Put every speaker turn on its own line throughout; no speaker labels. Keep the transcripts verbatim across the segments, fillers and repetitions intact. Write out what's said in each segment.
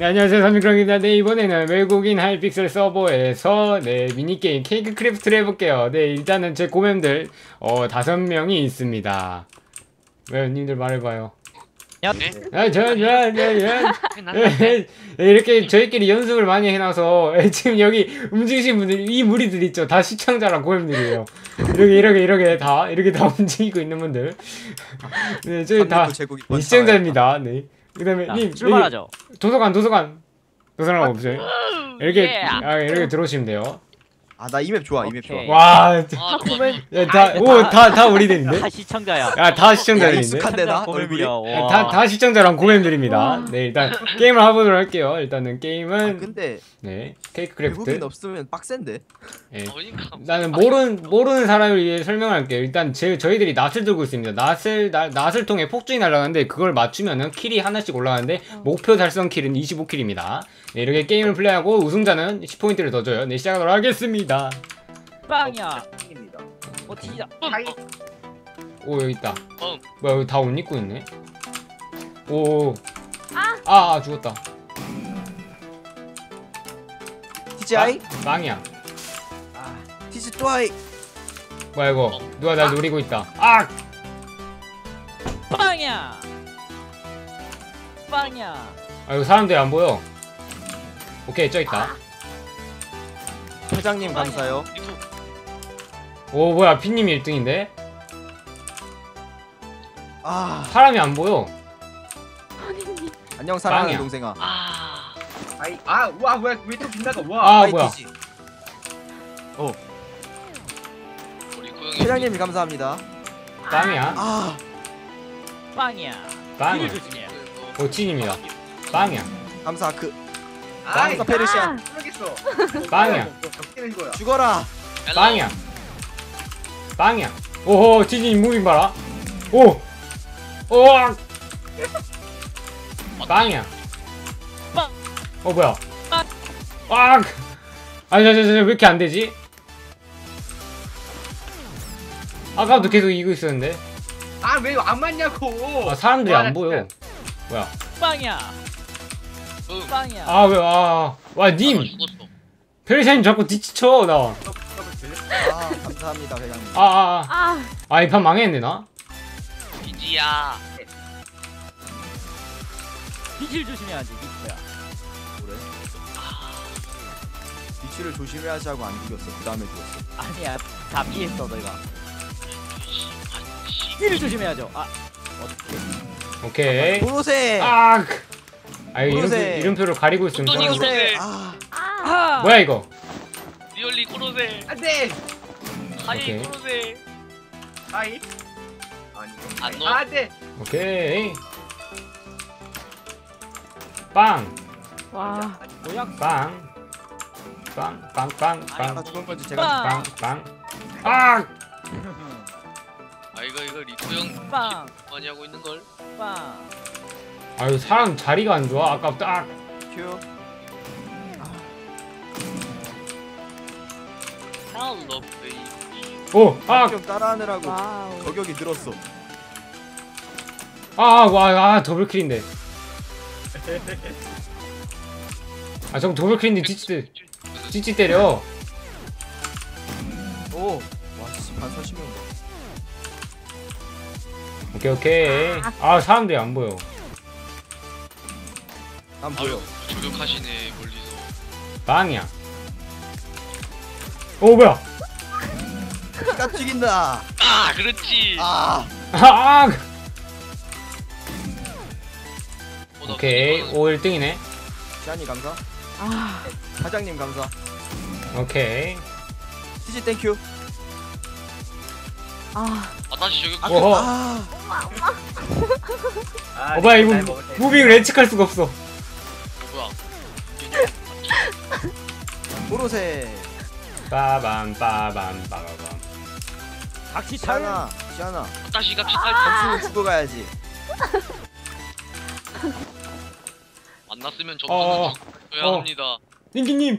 네, 안녕하세요, 삼미크롱입니다. 네, 이번에는 외국인 하이픽셀 서버에서 네 미니게임 케이크 크래프트를 해볼게요. 네, 일단은 제 고멤들 어 다섯 명이 있습니다. 왜 님들 말해봐요.
네?
아, 저, 저, 저, 저, 이렇게 저희끼리 연습을 많이 해놔서 지금 여기 움직이신 분들, 이 무리들 있죠? 다 시청자랑 고memb들이에요. 이렇게 이렇게 이렇게 다 이렇게 다 움직이고 있는 분들. 네, 저희 다 시청자입니다. 네. 그다음에 님
출발하죠.
도서관 도서관 도서관 없어요? 이렇게 아 이렇게 들어오시면 돼요.
아 나 이 맵 좋아. 이 맵 좋아.
와,
아, 고멘.
다오다다 우리들인데?
다 시청자야.
야, 다 시청자들인데?
익숙한데 나 얼굴이.
다 다 시청자랑 고memb들입니다. 네, 일단 게임을 해보도록 할게요. 일단은 게임은
아 근데
네 케이크 크래프트.
외국인 없으면 빡센데.
네. 나는 모르는 모르는 사람을 위해 설명할게요. 일단 제 저희들이 낫을 들고 있습니다. 낫을 나, 낫을 통해 폭죽이 날아가는데 그걸 맞추면은 킬이 하나씩 올라가는데 목표 달성 킬은 이십오 킬입니다. 네, 이렇게 게임을 플레이하고 우승자는 십 포인트를 더 줘요. 네, 시작하도록 하겠습니다.
빵이야. 어 튀자.
오, 여기 있다.
어.
뭐야, 여기 다 옷 입고 있네. 오. 아, 아, 아 죽었다.
티지아이?
아, 빵이야.
티지 또아이.
뭐야 이거? 누가 날 노리고 있다. 아!
빵이야. 빵이야.
아, 이거 사람들이 안 보여. 오케이, 저 있다.
회장님 감사요.
오, 뭐야, 피님이 일 등인데?
아
사람이 안 보여.
안녕 사랑하는
빵이야.
동생아.
아,
아이 아와 왜 왜 또 빗나가 와.
아,
아이,
뭐야.
티지.
우리 고영이
회장님 감사합니다.
빵이야.
아
빵이야.
빵이야.
힐 조심해.
오친입니다. 빵이야.
감사 그
아이
감사 페르시아.
모르겠어.
빵이야.
적기는 거야.
죽어라.
빵이야. 빵이야. 오호, 치즈님 무빙 봐라. 오! 오! 빵이야.
빵.
어, 뭐야.
빵.
아! 아니, 저, 저, 저, 왜 이렇게 안 되지? 아까부터 계속 이기고 있었는데.
아 왜 안 맞냐고.
아, 사람들이
와,
안
나
보여.
진짜.
뭐야.
빵이야.
응.
빵이야.
아, 왜, 아. 와, 님!
아, 죽었어.
페르샤님 자꾸 뒤치쳐, 나.
아 감사합니다 회장님.
아, 아, 아. 아, 이 판 망했네, 나.
이지야.
빛을 조심해야지. 빛이야.
그래? 위치를 조심해야지 하고 안 죽였어. 그 다음에 죽었어.
아니야. 다 피했어 너희가. 힐을 조심해야죠. 아 어떻게?
오케이.
도로세.
아! 아, 이거 이름표,
코로세.
이름표를 가리고 있으면
어떤
좀-
이거-
도로세. 아
아
뭐야, 이거?
리얼리 코로세.
안돼.
하이
오케이.
코로세.
아이. 아니.
안 넣어.
아, 안돼.
오케이. 빵!
와.
모양
빵! 빵! 빵! 빵! 빵!
아 죽은 건지 제가
빵.
빵! 빵! 아!
아 이거 이거 리토 형
빵.
많이 하고 있는 걸.
빵.
아유, 사람 자리가 안 좋아. 아까부터. 아!
큐.
헬로 베이비.
오! 아!
좀 따라하느라고
와우.
저격이 늘었어.
아! 와! 아! 더블킬인데. 아, 저거 더블킬인데 찌찌 때, 찌찌 때려.
오. 와씨 반 사십 명.
오케이, 오케이. 아, 사람들이 안 보여.
난 보여.
아유 저격하시네 멀리서.
빵이야. 오, 뭐야?
피가 튀긴다.
아 그렇지.
아.
아! 아!
어, 나
오케이.
그거
오, 일 등이네.
시안이 감사.
아.
사장님 감사.
오케이.
티지 땡큐.
아.
아 다시 저격.
아,
오호.
그, 아.
아,
어, 뭐야, 이거
잘 먹을 때.
무빙을 예측할 수가 없어.
어, 뭐야?
도로세.
빠밤, 빠밤, 빠밤.
각시 찰.
시안아. 시안아.
다시 같이 탈.
점수는 죽어가야지.
만났으면
어,
점수는 줘야
어.
합니다.
닌기님.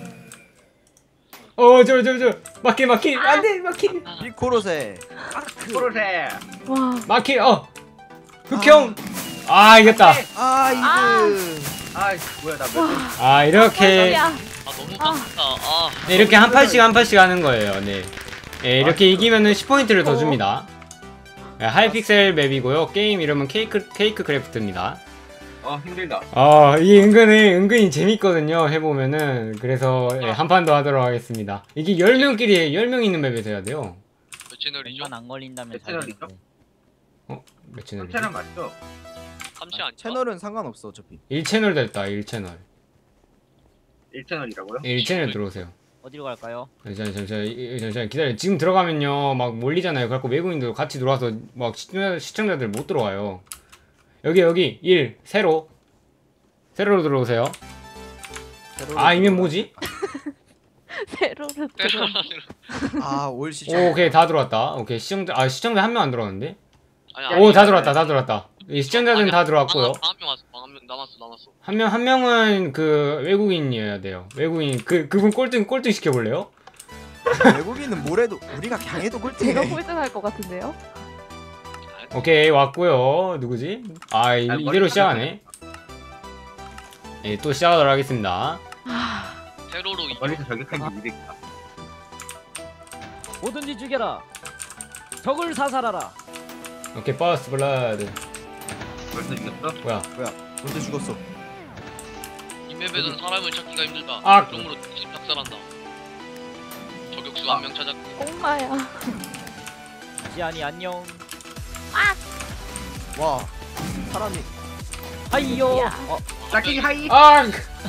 어, 저, 저, 저. 마킬, 마킬. 안 돼, 마킬.
비코로세.
코로세.
와.
마킬, 어. 흑형. 아, 이겼다.
아 이거.
아 뭐야 나 몇.
아 이렇게
야
아 너무 빡세다. 아
네, 이렇게 한 판씩 한 판씩 하는 거예요. 네. 네 이렇게 이기면은 십 포인트를 더 줍니다. 네, 하이픽셀 맵이고요. 게임 이름은 케이크 케이크 크래프트입니다.
어 힘들다.
아 이게 은근히 은근히 재밌거든요. 해보면은 그래서 네, 한 판 더 하도록 하겠습니다. 이게 열 명끼리 열 명 있는 맵에서 해야 돼요.
몇 채널이죠?
시간 안 걸린다면
몇
잘
채널이죠?
되는데.
어? 몇 채널이지?
삼 채널 맞죠?
삼 채 아니죠?
채널은 상관없어 어차피.
일 채널 됐다. 일 채널.
일 채널이라고요?
일 채널 들어오세요.
어디로 갈까요?
잠시만 잠시만 이- 잠시만 기다려. 지금 들어가면요 막 몰리잖아요. 그래갖고 외국인들 같이 들어와서 막 시청자, 시청자들 못 들어와요. 여기 여기 일 세로 세로로 들어오세요. 아 이면 뭐지?
세로를 들어.
아올 시청.
오, 오케이 다 들어왔다. 오케이 시청자 아 시청자 한 명 안 들어왔는데?
아니
오 다 들어왔다 다 들어왔다. 이 시청자들은 다 들어왔고요.
한명 왔어. 한명 남았어 남았어.
한 명 한 명은 그 외국인이어야 돼요. 외국인 그 그분 꼴등 꼴등 시켜볼래요?
외국인은 뭐래도 우리가 강해도 꼴등해.
제가 꼴등할 것 같은데요?
오케이 왔고요. 누구지? 아 이,
아,
이대로
머리
시작하네. 예, 또 시작하도록 하겠습니다.
세로로 이
멀리서 저격한 게 이득이다.
뭐든지 죽여라. 적을 사살하라.
오케이 버스 블라드.
벌써 이겼어?
뭐야?
언제 죽었어?
이 맵에서는 사람을 찾기가 힘들다.
아!
그러므로 집 작살한다. 저격수
아.
한 명 찾았고.
엄마야.
지안이 안녕.
와 사람이
하이요.
야.
어,
짝끼기 하이.
아!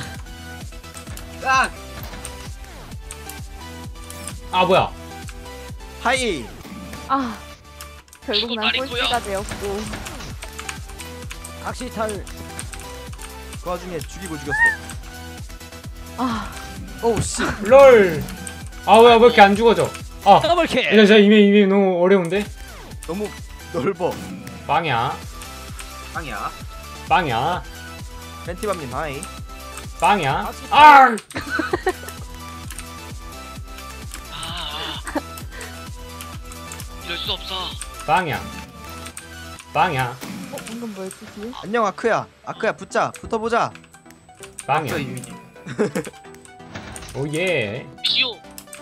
아.
아 뭐야?
하이.
아 결국
이거
난
말이
꼴찌가
뭐야?
되었고.
각시탈.
그 와중에 죽이고 죽였어.
아
오우 씨.
롤. 아 뭐야 왜 이렇게 안 죽어져? 아
더블킬.
일단 저 이미 이미 너무 어려운데?
너무 넓어.
빵야
빵이야.
빵야
팬티밤님 하이.
빵야. 아!
아, 아. 이럴 수 없어.
빵야 빵야
어 방금 뭐였지 뒤에?
안녕 아크야. 아크야 붙자. 붙어보자.
빵야.
저 이미지.
오예.
미시오.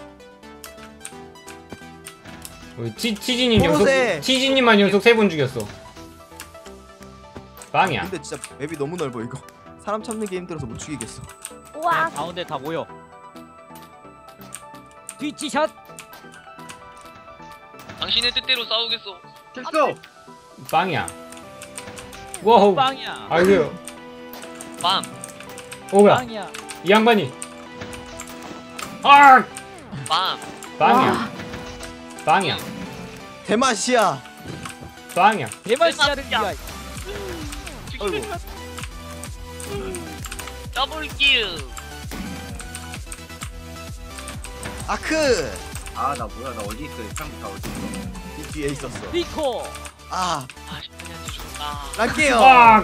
우리 치 치즈님 연속
보로세.
치즈님만 연속 세 번 죽였어. 빵야.
근데 진짜 맵이 너무 넓어 이거. 사람 찾는 게 힘들어서 못 죽이겠어.
우와.
그냥 가운데 다 모여. 뒤치샷.
당신의 뜻대로 싸우겠어.
됐어.
빵야. 와우.
빵이야.
아이고.
빵.
오 뭐야?
빵이야.
이 양반이. 아!
빵.
빵야. 빵야.
대맛이야.
빵야.
대마시아를
대맛이야.
위하여.
어이구.
더블킬.
아크.
아 나 뭐야 나 어디 있어? 처음부터 어디 있어?
이 뒤에 있었어.
리코.
아
아 십분이한테 죽었다.
랄게요.
아!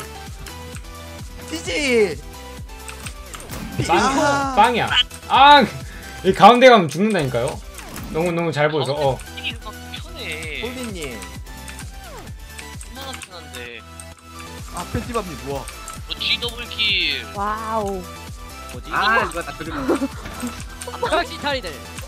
티지.
빵.
아.
빵이야. 아! 이 가운데 가면 죽는다니까요. 너무 너무 잘 보여서. 어.
이게 막 편해.
홀리님.
얼마나 편한데.
아 팬티밤님 뭐야?
그렇지 더블킬.
와우.
뭐지?
아 이거 나 들으면.
각시탈이들.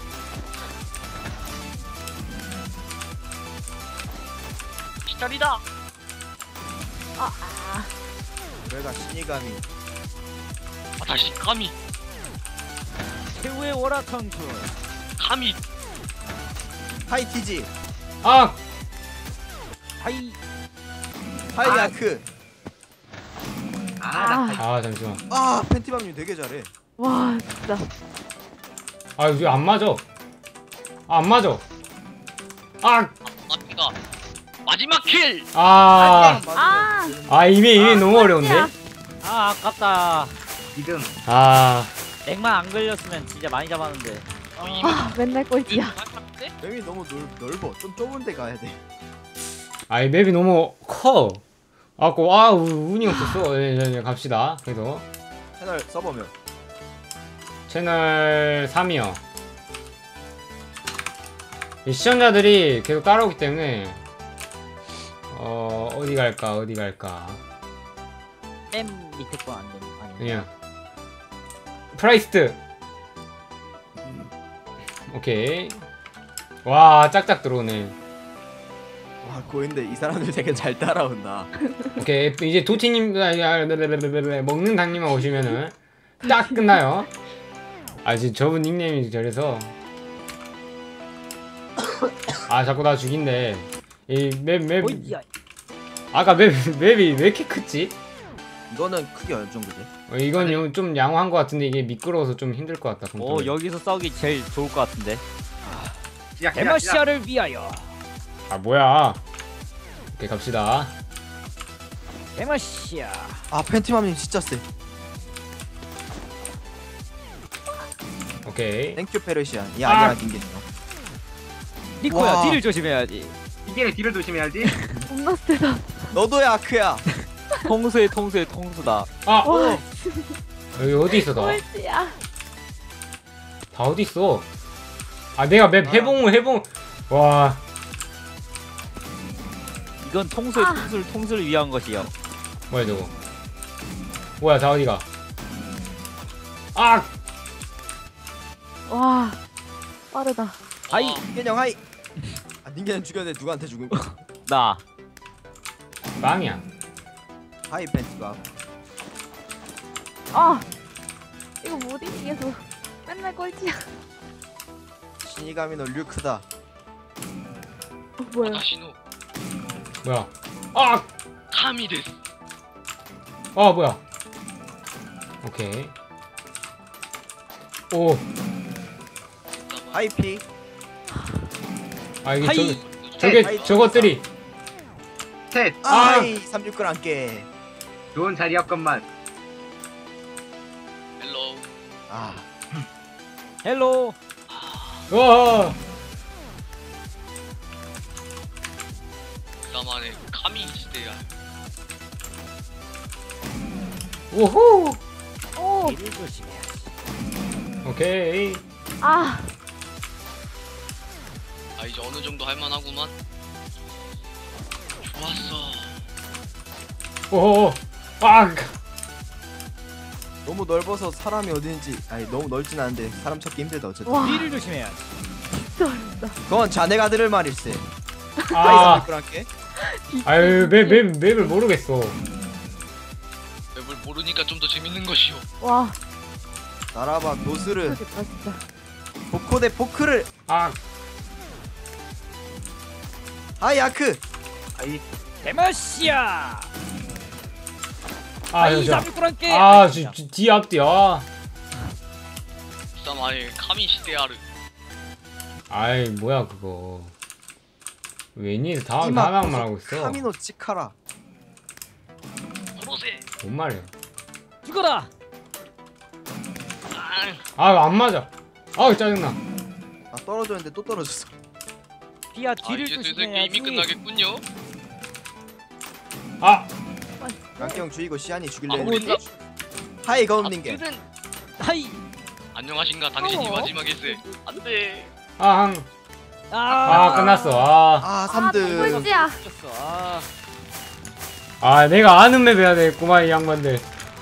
기다리다.
아, 아.
내가 신이감이.
아 다시 감히
최후의 월화창출.
감히.
하이 티지.
아!
하이.
하이
아.
아크.
아나
아,
아, 잠시만.
아 팬티밤님 되게 잘해.
와 진짜.
아, 이거 안 맞아. 아, 안 맞아. 아!
앞이가 마지막 킬.
아!
아.
아, 이미 이미
아,
너무 어려운데?
아 아깝다.
지금
아.
렉만 안 걸렸으면 진짜 많이 잡았는데.
어, 이
아 맨날 꼴찌야.
맵이 너무 넓, 넓어. 좀 좁은 데 가야 돼.
아, 이 맵이 너무 커. 아, 고, 아, 우- 운이 없었어. 예, 예, 예, 갑시다. 그래서
채널 서버면.
채널 삼이요. 이 시청자들이 계속 따라오기 때문에 어, 어디 갈까? 어디 갈까?
맨 밑에 거 안 되는 아니.
그냥 프라이스트. 오케이. 와 짝짝 들어오네.
와 고인데 이 사람들 되게 잘 따라온다.
오케이 이제 도티님 아, 아, 먹는 당님만 오시면은 딱 끝나요. 아 지금 저분 닉네임이 저래서 아 자꾸 나 죽인대. 이 맵 맵
어이야.
아까 맵 맵이 왜 이렇게 크지?
이거는 크기 어느 정도 돼?
어, 이건 요- 좀 양호한 것 같은데 이게 미끄러워서 좀 힘들 것 같다.
오 여기서 싸우기 제일 좋을 것 같은데.
시작 시작 시작.
데마시아를 위하여.
아 뭐야? 오케이 갑시다.
데마시아.
아 팬티맘님 진짜 세.
오케이.
땡큐 페르시안. 이
아.
아니야 닌겐요.
니코야
와.
딜을 조심해야지.
이게 뒤를 조심해야지.
겁나 세다.
너도야 아크야.
통수의 통수의 통수다.
아
와,
여기 어디 있어 다?
꼴찌야.
다 어디 있어? 아 내가 맵 해봉 해봉 와
이건 통수의
아.
통수를 통수를 위한 것이요.
뭐야 저거? 뭐야 다 어디가? 아
와, 빠르다.
하이
닌겐형 하이. 아 닌겐 죽였는데 누구한테 죽은 거야?
나.
빵이야.
하이 팬티가.
아, 이거 못 이기겠어. 맨날 꼴찌야.
신이가미 너 류크다.
어, 뭐야?
다시노
뭐야? 아!
카미 데스.
아 뭐야? 오케이. 오.
하이 피.
아 이게
하이.
저 저게
하이.
저것들이
셋.
아.
아이 삼육글 함께.
좋은 자리였건만.
헬로.
아
헬로.
와.
나만의 카미 시대야.
오호.
오,
딜을 조심해야지.
오케이.
아,
아 이제 어느 정도 할만하구만. 좋았어.
오호. 아.
너무 넓어서 사람이 어딘지 아니 너무 넓진 않은데 사람 찾기 힘들다 어쨌든.
와,
딜을 조심해야지.
진짜 어렵다.
그건 자네가 들을 말일세. 하이
아.
삼육글 함께.
아유 맵맵 맵을 모르겠어.
맵을 모르니까 좀 더 재밌는 것이오.
와,
나라바 노스르
모르겠다 진짜.
보코 대 포크를.
아.
하이 아크.
아이
데마시아.
아
하이
잠시만.
삼육구랑께.
아, 지, 지, 뒤 앞뒤, 아.
나만의 카미 시대야르.
아이, 뭐야, 그거. 웬일, 다,
이마
다만 말하고 있어.
카미노 치카라.
코로세.
뭔 말이야.
죽어라.
아,
아, 안 맞아. 아우, 짜증나.
아 떨어졌는데 또 떨어졌어.
디아
아
딜을
이제 슬슬
조심해야지.
게임이 끝나겠군요.
아,
랑형 주이고 시안이 죽일래
아,
했는데.
뭐지?
하이 거운닝겐.
아무튼
하이.
안녕하신가 당신이
어?
마지막일세. 안돼.
아, 항.
아,
아, 끝났어. 아.
아
아,
삼 등.
꼴찌야.
죽였어. 아.
아, 내가 아는 맵 해야 되겠구만, 이 양반들.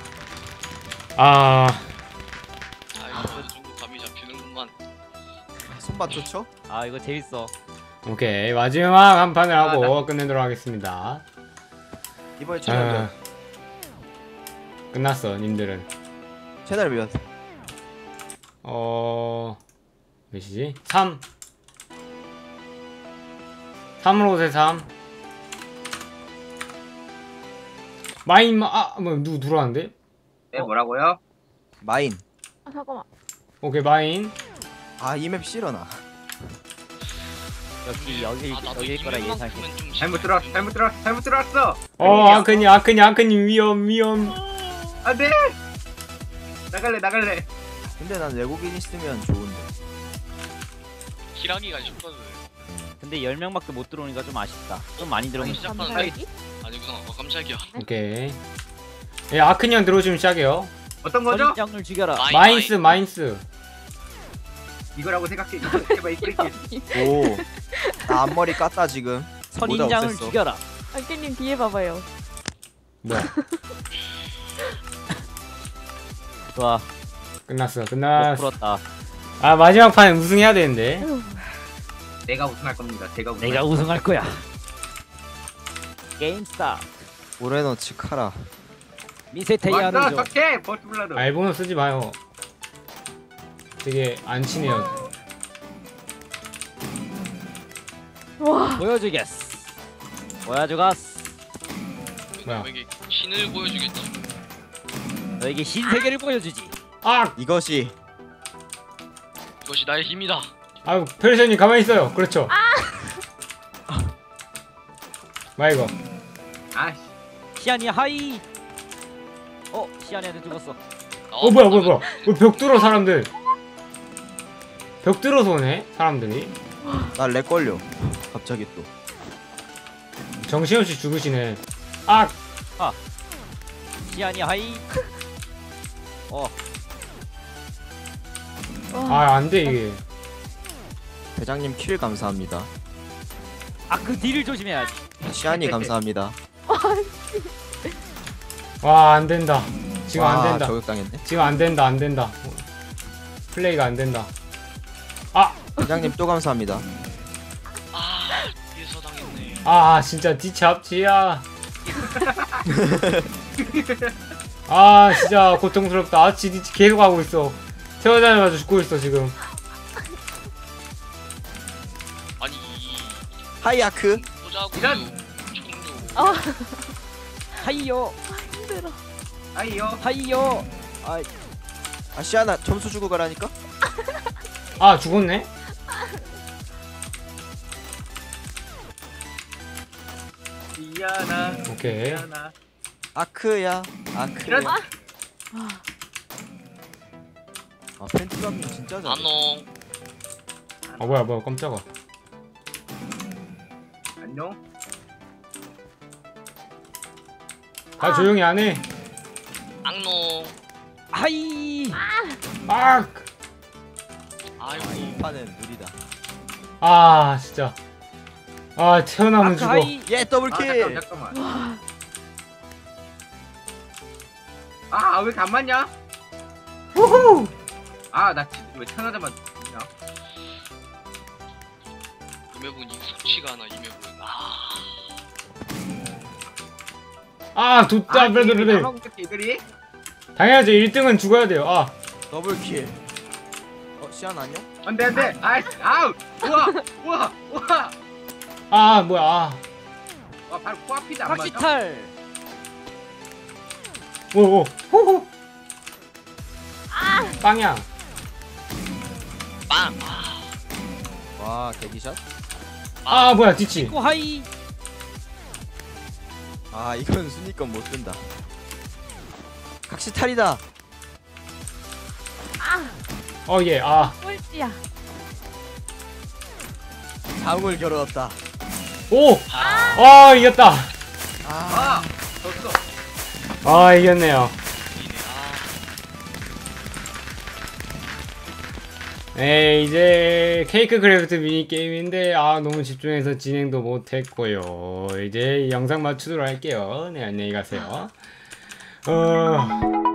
아,
아 이거 어느 정도 감이 잡히는구만.
손맛 좋죠?
아 이거 재밌어.
오케이. 마지막 한 판을
아,
하고 끝내도록 하겠습니다.
이번에 채널
아, 끝났어, 님들은.
채널 몇?
어, 몇이지? 삼. 삼으로 세 삼. 마인, 마, 아, 뭐, 누구 들어왔는데?
네 뭐라고요?
마인.
아, 잠깐만.
오케이, 마인.
아 이 맵 싫어나.
여기 여기
아 나도
여기일 거라 예상해.
이만큼은 좀
잘못 들어왔어. 잘못 들어왔어. 잘못 들어왔어.
어, 아크니, 아크니, 아크니, 위험, 위험.
안돼. 나갈래 나갈래.
근데 난 외국인 있으면 좋은데.
기라기가 싶거든.
근데 열 명밖에 못 들어오니까 좀 아쉽다. 좀 많이 들어오면
시작하는
감사하기?
아니구나. 어 깜짝이야.
오케이. 예, 아크니 형 들어오시면 시작해요.
어떤 거죠?
선장을 죽여라.
마인,
마인스,
마인.
마인스.
이거라고 생각해. 이거 해봐 이거.
오. 나 앞머리 깠다 지금.
선인장을
모자 없앴어.
죽여라.
안깨님 뒤에 봐봐요.
뭐야?
좋아.
끝났어
못
끝났어.
풀었다.
아 마지막 판 우승해야 되는데.
내가 우승할 겁니다. 제가 우승.
내가 우승할 거야. 게임 스타트.
오레노 치카라.
미세테이아는
맞다.
좀
적해. 버트블라드.
아 일본어 쓰지 마요. 되게 안 친해요.
와.
보여주겠어. 보여주겠어.
뭐야?
너에게 신을 보여주겠지.
너에게 신세계를 보여주지.
아!
이것이
이것이 나의 힘이다.
아유 페르시아님 가만히 있어요. 그렇죠. 마 이거.
아씨.
시안이 하이. 어 시안이한테 죽었어.
어 뭐야 뭐야 뭐야. 어, 벽 뚫어 사람들. 벽 뚫어서 오네 사람들이.
나렉 걸려. 갑자기 또.
정신없이 죽으시네. 아!
시안이 하이. 어
와.
아 안돼 이게.
대장님 킬 감사합니다.
아 그 딜을 조심해야지.
시안이 감사합니다.
와 안된다. 지금
와,
안된다.
저격당했네.
지금 안된다 안된다. 플레이가 안된다. 아!
대장님 또 감사합니다.
아, 뒤에서 당했네.
아 진짜 뒤잡지야. 아 진짜 고통스럽다. 아 지디 계속 하고 있어. 태어나자마자 죽고 있어 지금.
아니,
하이아크.
보자고.
이런.
총료.
아
하이요
힘들어.
아이요.
하이요. 아
아 시안아 점수 주고 가라니까.
아 죽었네.
미안하.
오케이.
미안하.
아크야. 아크야.
이런.
아 펜트감이 진짜 잘해.
안녕.
아 뭐야 뭐야 깜짝아.
안녕.
다
아.
조용히 안 해.
악농.
하이.
아!
아이고.
아, 이 판은 느리다.
아 진짜. 아 태어나면
아크
죽어.
하이.
예
아
더블킬.
잠깐만 잠깐만. 아 왜 이렇게 안 맞냐?
후후.
아나 왜 천하자만 죽냐?
이 맵은 익숙치가 않아, 이 맵은. 아.
아 돋다 브레드레드.
하고 있겠지 이들이?
당연하죠. 일 등은 죽어야 돼요. 아.
더블킬. 어 시안 안녕?
안돼 안돼. 아이씨 아우. 우와 우와 우와.
아 뭐야. 아.
와 바로 코앞이다 안 맞아?
박시탈.
오오. 호호. 빵야.
빵. 아,
와 대기샷.
아 뭐야 뒤치.
고 하이.
아 이건 순위권 못 든다. 각시탈이다.
어 예. 아.
꼴찌야.
자웅을 겨루었다.
오.
아.
아 이겼다.
아
아 졌어.
아 이겼네요.
이네. 아.
네 이제 케이크 크래프트 미니 게임인데 아 너무 집중해서 진행도 못했고요. 이제 영상 마치도록 할게요. 네 안녕히 가세요. 어.